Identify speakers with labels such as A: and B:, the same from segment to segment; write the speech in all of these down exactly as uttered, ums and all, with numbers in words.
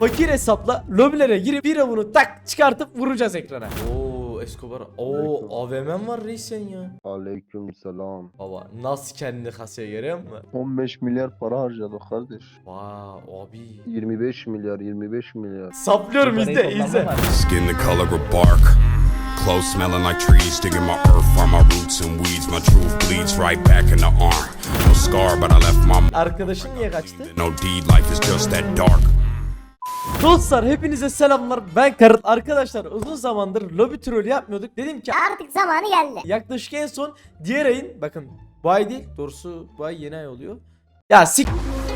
A: Fakir hesapla lobilere girip bir avunu tak çıkartıp vuracağız ekrana. Oo Escobar. Oo A V M'm var reis sen ya.
B: Aleyküm selam.
A: Baba nasıl kendini kasaya görüyor musun?
B: on beş milyar para harcadık kardeş.
A: Vay abi.
B: yirmi beş milyar, yirmi beş milyar.
A: Saplıyorum izle izle.
C: Skin the color of bark. Clothes smelling like trees, digging my earth, find my roots and weeds. My truth bleeds right back in the arm. No scar, but I left my
A: Arkadaşın niye kaçtı?
C: no deed. Life is just that dark.
A: Dostlar hepinize selamlar. Ben Karıt. Arkadaşlar uzun zamandır lobi trollü yapmıyorduk. Dedim ki
D: Artık zamanı geldi.
A: yaklaşık en son diğer ayın bakın bu ay değil doğrusu bu ay yeni ay oluyor. Ya sik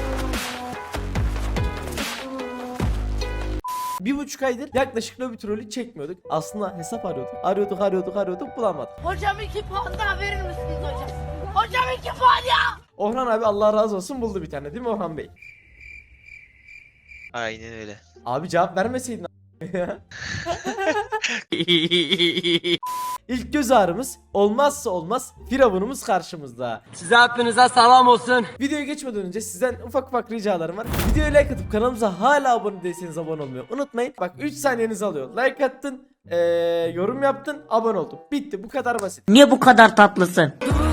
A: Bir buçuk aydır yaklaşık lobi trolü çekmiyorduk. Aslında hesap arıyorduk. Arıyorduk arıyorduk arıyorduk bulamadık.
E: Hocam iki puan daha verir misiniz hocam? Hocam iki puan ya!
A: Orhan abi Allah razı olsun buldu bir tane değil mi Orhan Bey?
F: Aynen öyle.
A: Abi cevap vermeseydin ya. İlk göz ağrımız olmazsa olmaz firavunumuz karşımızda.
G: Size hepinize selam olsun.
A: Videoya geçmeden önce sizden ufak ufak ricalarım var. Videoya like atıp kanalımıza hala abone değilseniz abone olmayı unutmayın. Bak üç saniyenizi alıyor. Like attın, ee, yorum yaptın, abone oldun. Bitti bu kadar basit.
H: Niye bu kadar tatlısın?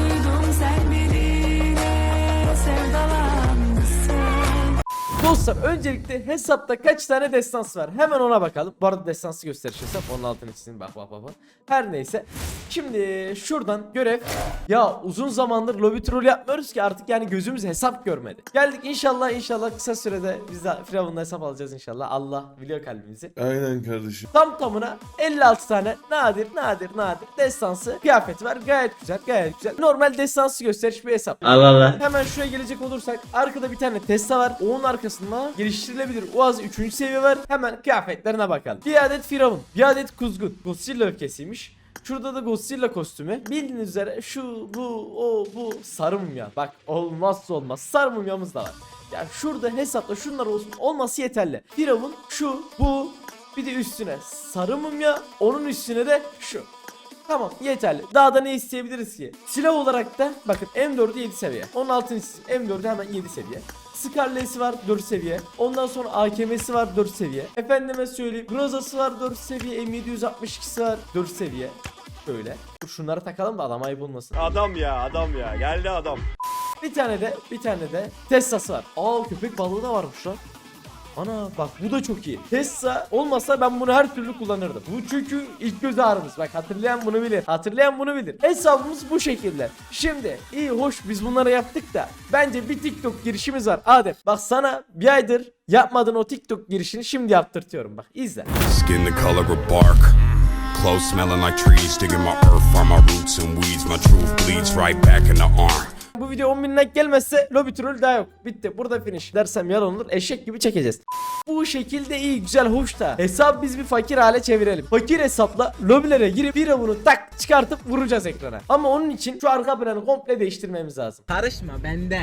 A: Dostlar öncelikle hesapta kaç tane destans var? Hemen ona bakalım. Bu arada destansı gösteriş hesap. Onun altını çizin. Bak bak bak bak. Her neyse. Şimdi şuradan görev. Ya uzun zamandır lobby troll yapmıyoruz ki artık yani gözümüz hesap görmedi. Geldik inşallah inşallah kısa sürede biz de Firavun'da hesap alacağız inşallah. Allah biliyor kalbimizi.
I: Aynen kardeşim.
A: Tam tamına elli altı tane nadir nadir nadir destansı kıyafeti var. Gayet güzel gayet güzel. Normal destansı gösteriş bir hesap.
H: Allah Allah.
A: Hemen şuraya gelecek olursak arkada bir tane Tesla var. Onun arkasında geliştirilebilir Uaz üçüncü seviye var. Hemen kıyafetlerine bakalım. Bir adet Firavun, bir adet Kuzgun. Godzilla öfkesiymiş. Şurada da Godzilla kostümü. Bildiğiniz üzere şu bu o bu sarı mumya. Bak olmazsa olmaz sarı mumyamız da var. Ya şurada hesapta şunlar olsun olması yeterli. Firavun şu bu bir de üstüne sarı mumya onun üstüne de şu. Tamam yeterli. Daha da ne isteyebiliriz ki? Silah olarak da bakın M dördü yedi seviye. Onun altını çizeyim. M dördü hemen yedi seviye. Scarlet'si var dört seviye. Ondan sonra A K M'si var dört seviye. Efendime söyleyeyim. Groza'sı var dört seviye. M yedi yüz altmış ikisi var dört seviye. Şöyle. Dur şunları takalım da adam ayıp olmasın.
J: Adam ya adam ya geldi adam.
A: Bir tane de bir tane de Tesla'sı var. Aa köpek balığı da varmış lan. Ana bak bu da çok iyi. Tesla olmasa ben bunu her türlü kullanırdım. Bu çünkü ilk göz ağrımız. Bak hatırlayan bunu bilir. Hatırlayan bunu bilir. Hesabımız bu şekilde. Şimdi iyi hoş biz bunları yaptık da bence bir TikTok girişimiz var. Adem bak sana bir aydır yapmadığın o TikTok girişini şimdi yaptırtıyorum. Bak izle.
C: Skin the color of bark. Clothes smelling like trees, digging my earth, find my roots and weeds. My truth bleeds right back in the arm.
A: Bu video on bin like gelmezse lobby troll daha yok. Bitti. Burada finish. Dersem yalan olur. Eşek gibi çekeceğiz. Bu şekilde iyi, güzel, hoş da hesap biz bir fakir hale çevirelim. Fakir hesapla lobilere girip bir avunu tak çıkartıp vuracağız ekrana. Ama onun için şu arka planı komple değiştirmemiz lazım.
G: Karışma bende.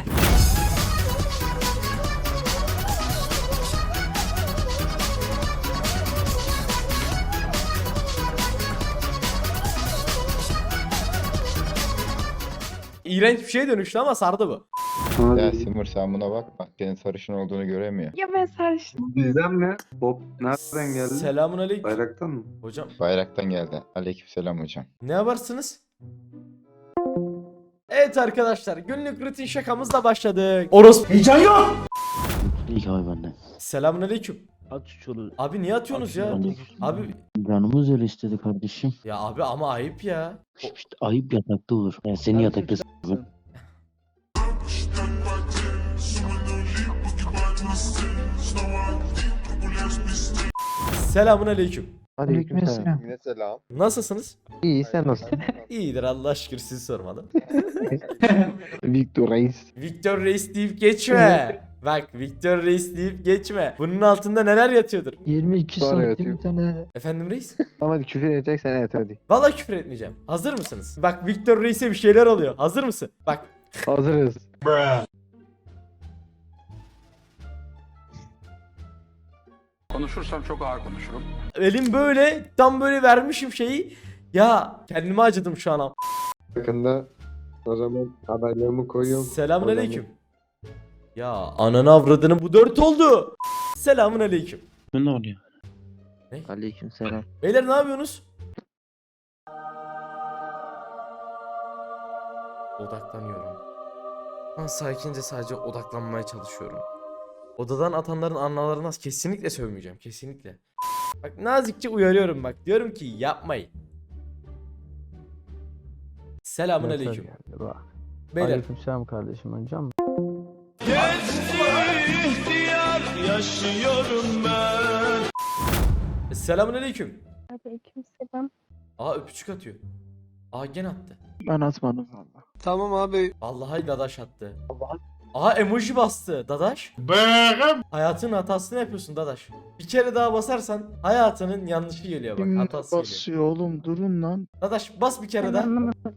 A: İğrenç bir şeye dönüştü ama sardı bu.
K: Ya Simur sen buna bakma. Senin sarışın olduğunu göremiyor.
E: Ya ben sarıştım.
B: Bizden mi? Bob nereden geldi?
A: Selamun aleyküm.
B: Bayraktan mı?
A: Hocam
K: Bayraktan geldi. Aleykümselam hocam.
A: ne yaparsınız? Evet arkadaşlar günlük rutin şakamızla başladık. Orospu. Heyecan yok.
H: İlk abi benden.
A: Selamun aleyküm.
H: At şunu.
A: Abi niye atıyorsunuz ya? Abi
H: Canımız öyle istedi kardeşim.
A: ya abi ama ayıp ya.
H: İşte ayıp yatakta olur. Ben seni yatakta s***ım.
A: Selamun aleyküm.
B: Aleykümselam.
K: Yine selam.
A: Nasılsınız?
B: İyi sen nasılsın?
A: İyidir Allah şükür sizi sormadım.
B: Victor Reis.
A: Victor Reis deyip geçme. Bak Victor Reis deyip geçme. Bunun altında neler yatıyordur?
H: yirmi iki
B: Sonra
H: santim
B: yatıyor.
H: bir tane.
A: Efendim Reis?
B: Ama küfür edeceksen evet hadi.
A: Vallahi küfür etmeyeceğim. Hazır mısınız? Bak Victor Reis'e bir şeyler oluyor. Hazır mısın? Bak.
B: Hazırız.
J: Konuşursam çok ağır konuşurum.
A: Elim böyle tam böyle vermişim şeyi. Ya kendime acıdım şu an.
B: Yakında o zaman haberlerimi koyuyorum.
A: Selamun aleyküm. Ya ananı avradını bu dört oldu. Selamun aleyküm.
H: Ne oluyor?
B: Aleykümselam.
A: Beyler ne yapıyorsunuz? Odaklanıyorum. Ben sakince sadece odaklanmaya çalışıyorum. Odadan atanların analarına kesinlikle sövmeyeceğim. Kesinlikle. Bak nazikçe uyarıyorum bak. Diyorum ki yapmayın. Selamun aleyküm. Beyler.
B: Aleykümselam kardeşim hocam.
A: Selamun aleyküm.
E: Aleykümselam.
A: Aa öpücük atıyor. Aa gene attı.
B: Ben atmadım valla.
J: Tamam abi.
A: Vallahi dadaş attı. Aa emoji bastı dadaş. Hayatının hatasını yapıyorsun dadaş. Bir kere daha basarsan hayatının yanlışı geliyor bak. Hatası geliyor.
B: basıyor oğlum durun lan.
A: Dadaş bas bir kere
E: Ben
A: daha.
E: anlamadım.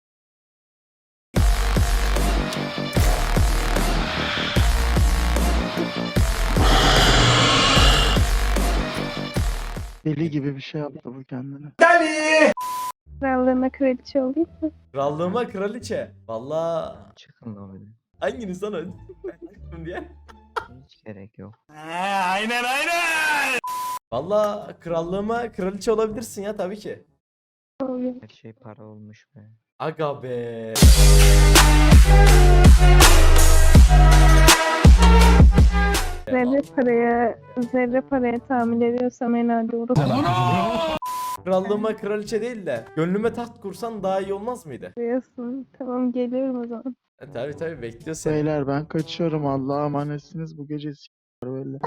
B: Deli gibi bir şey yaptı bu kendine.
E: Krallığına kraliçe olayım mı?
A: Krallığıma kraliçe. Vallahi
B: Çıkın lan beni.
A: hanginiz sana diye.
B: Hiç gerek yok.
A: Vallahi krallığıma kraliçe olabilirsin ya tabii ki.
E: Olayım.
B: Her şey para olmuş be.
A: Aga be.
E: Zerre paraya, zerre paraya tahammül ediyorsam herhalde olur.
A: Krallığıma kraliçe değil de gönlüme taht kursan daha iyi olmaz mıydı?
E: Diyorsun. Tamam geliyorum o zaman.
A: E, tabii tabii bekliyor seni.
B: Beyler ben kaçıyorum Allah'a emanetsiniz bu gece s***ler böyle.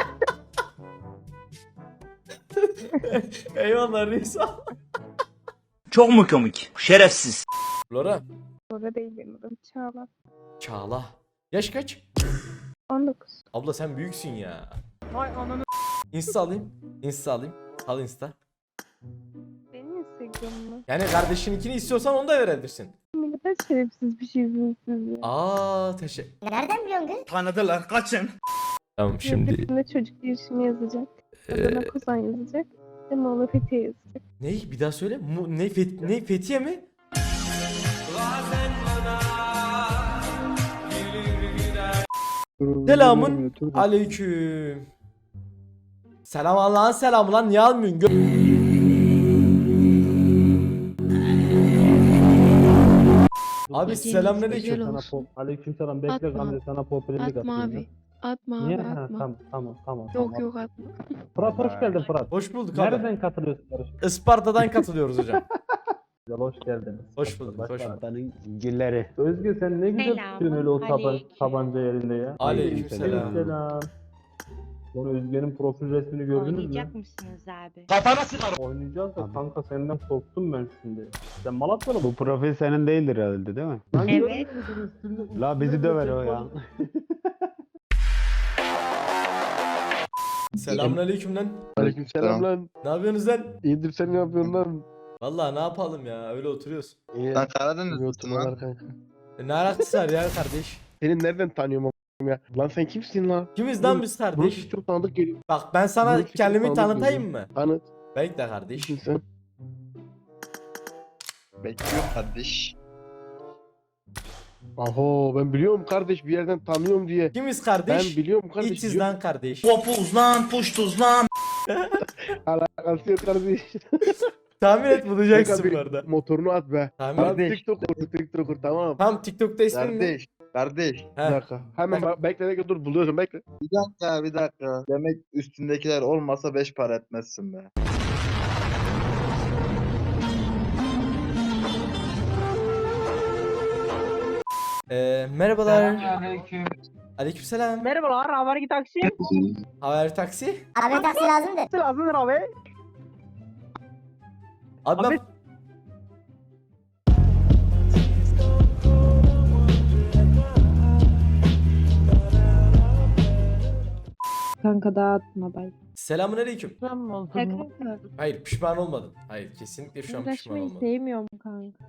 A: Eyvallah reis.
D: Çok mu komik? Şerefsiz.
A: Lora.
E: Orada değil benim adım. Çağla.
A: Çağla. Yaş kaç?
E: on dokuz.
A: Abla sen büyüksün ya. Vay ananı. Insta alayım. Insta alayım. Al Insta.
E: Benim Instagram'ımı.
A: Yani kardeşininkini istiyorsan onu da verebilirsin.
E: Ne kadar şerefsiz bir şeysiniz siz ya.
A: Aa teşekkür.
E: Nereden biliyorsun kız?
D: Tanıdılar kaçın.
A: Tamam şimdi.
E: Şimdi çocuk girişimi yazacak. Adana Kozan yazacak. Ve Moğla Fethiye yazacak.
A: Ne? Bir daha söyle. Mu, ne, Fet, ne Fethiye mi? Selamun aleyküm. Selam Allah'ın selamı lan niye almıyorsun? Gö- Abi selamünaleyküm.
F: Aleykümselam bekle
I: Atma.
F: Gamze sana popülerlik
I: Atma
F: atayım
I: abi.
F: ya.
I: Atma
F: Niye?
I: abi
F: Ha,
I: atma.
F: tamam tamam tamam.
I: Yok
F: tamam.
I: yok atma.
F: Fırat hoş geldin Fırat.
A: Hoş bulduk abi.
F: Nereden katılıyorsun yarışmaya?
A: Isparta'dan katılıyoruz hocam.
F: Güzel hoş geldiniz.
A: Hoş bulduk, hoş
F: Başla.
A: bulduk.
F: Gilleri. Özgür sen ne güzel
I: Selam,
F: tutuyorsun öyle o taban,
I: aleyküm.
F: tabanca yerinde ya.
A: Aleykümselam.
F: Selam. Lan Özge'nin profil resmini gördünüz mü?
I: Oynayacak mısınız abi?
D: Kafana sıkarım.
F: Oynayacağız da kanka senden korktum ben şimdi. Sen Malatyalı mı?
L: Bu profil senin değildir herhalde değil mi?
F: Lan
I: Evet.
F: görmüyor musun üstünde-
L: La bizi
F: üstünde
L: döver
F: bir
L: o
F: şey
L: ya.
F: var.
A: Selamünaleyküm lan.
B: Aleykümselam lan.
A: Ne yapıyorsunuz lan?
B: İyidir sen ne yapıyorsun lan?
A: Vallahi ne yapalım ya öyle oturuyoruz.
B: İyi.
J: Sen Karadenizlisin
B: YouTube'a
J: lan.
B: var kanka.
A: E, ne alakası var ya kardeş?
B: Seni nereden tanıyorum a**ım ya? Lan sen kimsin lan?
A: Kimiz lan biz
B: Burası
A: kardeş?
B: çok tanıdık geliyor.
A: Bak ben sana
B: Burası çok
A: kendimi
B: tanıdık
A: tanıtayım
B: geliyor.
A: mı?
B: Tanıt.
A: Bekle kardeş.
B: Kimsin sen?
J: Bekliyorum kardeş.
B: Aho ben biliyorum kardeş bir yerden tanıyorum diye.
A: Kimiz
B: Ben
A: kardeş?
B: biliyorum kardeş.
A: İçiz
B: biliyorum.
A: lan kardeş.
D: Popuz lan puştuz lan.
B: Alakası yok kardeş.
A: Tahmin et bulacaksın
B: Kanka bir
A: bu arada.
B: Motorunu at be.
A: Tahmin
B: Tamam
A: et.
B: TikToker, TikToker tamam.
A: Tam TikTok'ta ismin ne?
J: Kardeş. Kardeş.
B: Bir
A: He.
B: dakika. Hemen bak, bekle bekle dur buluyorsun bekle.
J: Bir dakika bir dakika. Demek üstündekiler olmasa beş para etmezsin be.
A: Ee, merhabalar. Aleykümselam.
G: Merhabalar, haber taksi.
A: Haber taksi.
E: Abi taksi lazımdı.
G: Lazımdır abi.
A: Abi, ben...
G: Abi-
I: Kanka dağıtma bay.
A: Selamünaleyküm.
I: Kanka
A: Hayır pişman olmadın. Hayır kesinlikle şu an pişman
I: uğraşmayı
A: olmadım.
I: sevmiyorum kanka.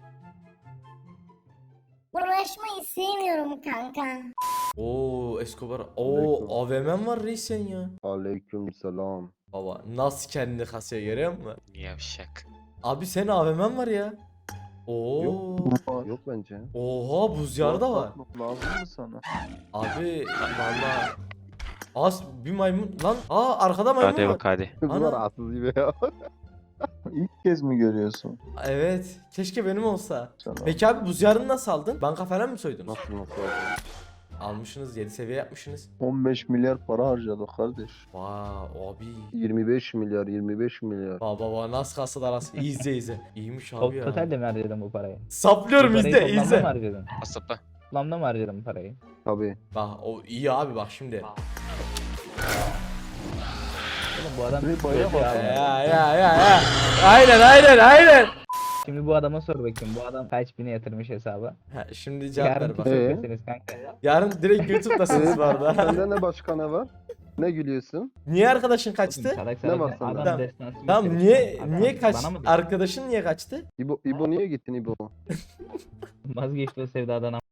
E: Uğraşmayı sevmiyorum kanka.
A: Oo Escobar. Oo A V M'm var reis sen ya.
B: Aleykümselam.
A: Baba nasıl kendini kasaya görüyor musun?
D: Yavşak.
A: Abi senin A V M'm var ya. Oo.
B: Yok bence.
A: Oha buz yarı da var.
B: Lazım mı sana?
A: Abi valla Az bir maymun lan. Aa arkada maymun
D: Hadi
A: var.
D: bak hadi.
B: Kızlar
A: Ana.
B: rahatsız gibi ya. İlk kez mi görüyorsun?
A: Evet. Keşke benim olsa.
B: Sana.
A: Peki abi buz yarını nasıl aldın? Banka falan mı soydun?
B: Nasıl nasıl oldu?
A: Almışsınız yedi seviye yapmışsınız.
B: on beş milyar para harcadık kardeş.
A: Vaa abi.
B: yirmi beş milyar yirmi beş milyar.
A: Baba baba nasıl kasada arası? İyi izle izle. İyiymiş abi ya.
F: Totalde mi harcadın bu parayı?
A: Saplıyorum
F: Bu parayı
A: izle
F: toplamda mı
A: izle.
F: harcadın?
D: Asapla.
F: Toplamda mı harcadın bu parayı?
B: Tabii.
A: Bak o iyi abi bak şimdi.
F: Oğlum bu adam
B: Bir bayağı
F: ya.
A: Ya ya ya ya. Aynen aynen aynen.
F: Şimdi bu adama sor bakayım. Bu adam kaç bini yatırmış hesaba?
A: Ha, şimdi cevap
F: Yarın
A: ver bak.
B: Ee?
F: tutuklasınız kanka.
A: Yarın direkt YouTube'dasınız bu arada.
B: Sende ne başka ne var? Ne gülüyorsun?
A: Niye arkadaşın kaçtı?
F: Salak
B: Ne
F: salak
B: var
F: adam
B: sende?
A: Tamam.
F: destansı
A: Tamam
F: gösterir.
A: niye
F: Adam
A: niye kaç
F: bana mı diyor?
A: arkadaşın niye kaçtı?
B: İbo, İbo niye gittin İbo?
F: Vazgeçti o sevdadan ama.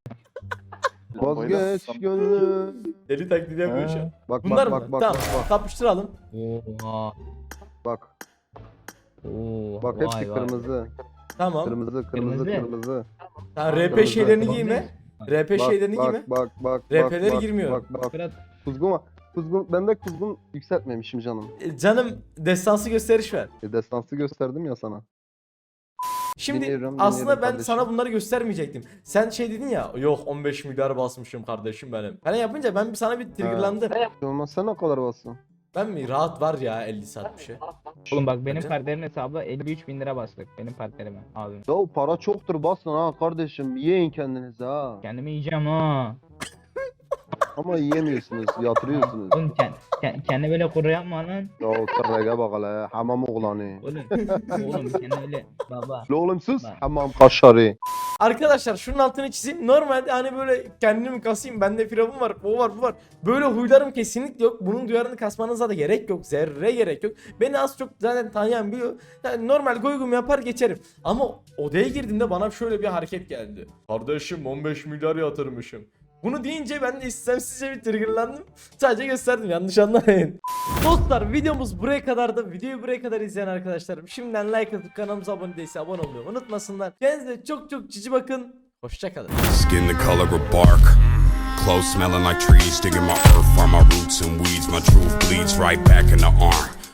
B: Vazgeç gönlüm.
A: Deli taklidi yapıyor şu an.
B: Bak
A: Bunlar
B: bak
A: mı?
B: bak bak
A: Tamam
B: bak bak.
A: kapıştıralım.
F: Oha.
B: Bak
F: Oo,
B: bak
F: vay
B: hepsi
F: vay.
B: kırmızı.
A: Tamam.
B: Kırmızı kırmızı
F: Kırmızı.
B: kırmızı.
A: Tamam R P
B: Kırmızı.
A: şeylerini
F: Tamam,
A: giyme.
F: bak.
A: R P
B: Bak
A: şeylerini giyme.
B: bak bak bak.
A: R P'leri
B: bak,
A: girmiyor.
B: Bak bak.
F: Fırat,
B: Kuzgun var. Kuzgun ben de kuzgun yükseltmemişim canım.
A: E, Canım destansı gösteriş ver.
B: E, destansı gösterdim ya sana.
A: Şimdi
B: Dinliyorum,
A: aslında
B: dinliyorum
A: ben
B: kardeşim.
A: sana bunları göstermeyecektim. Sen şey dedin ya yok on beş milyar basmışım kardeşim benim. Falan yapınca ben bir sana bir triggerlandım.
B: Olmaz sen ne kadar bassın?
A: Ben mi? Rahat var ya elli saat bir şey.
F: Oğlum bak benim
A: Bence-
F: partnerin hesabı elli üç bin lira bastık. Benim partnerime abim.
B: Ya o para çoktur basın ha kardeşim. Yiyin kendinizi ha.
F: Kendimi yiyeceğim ha.
B: Ama yiyemiyorsunuz, yatırıyorsunuz.
F: Oğlum kend, kend, kendi böyle kuru yapma lan.
B: Ya o tırrege bak hele, hamam oğlanı.
F: Oğlum, oğlum kendi öyle baba.
B: La oğlum sus,
F: Bak.
B: hamam kaşarı.
A: Arkadaşlar şunun altını çizeyim. Normalde hani böyle kendimi kasayım. Bende firavun var, o var, bu var. Böyle huylarım kesinlikle yok. Bunun duyarını kasmanıza da gerek yok. Zerre gerek yok. Beni az çok zaten tanıyan biliyor. Yani normal goygum yapar geçerim. Ama odaya girdiğimde bana şöyle bir hareket geldi. Kardeşim on beş milyar yatırmışım. Bunu deyince ben de istemsizce bir triggerlandım. Sadece gösterdim, yanlış anlamayın. Dostlar videomuz buraya kadardı. Videoyu buraya kadar izleyen arkadaşlarım şimdiden like atıp kanalımıza abone değilse abone olmayı unutmasınlar. Kendinize çok çok cici bakın. Hoşçakalın.
C: Skin the color of bark. Clothes smelling like trees, digging my earth, farm my roots and weeds. My truth bleeds right back in the arm.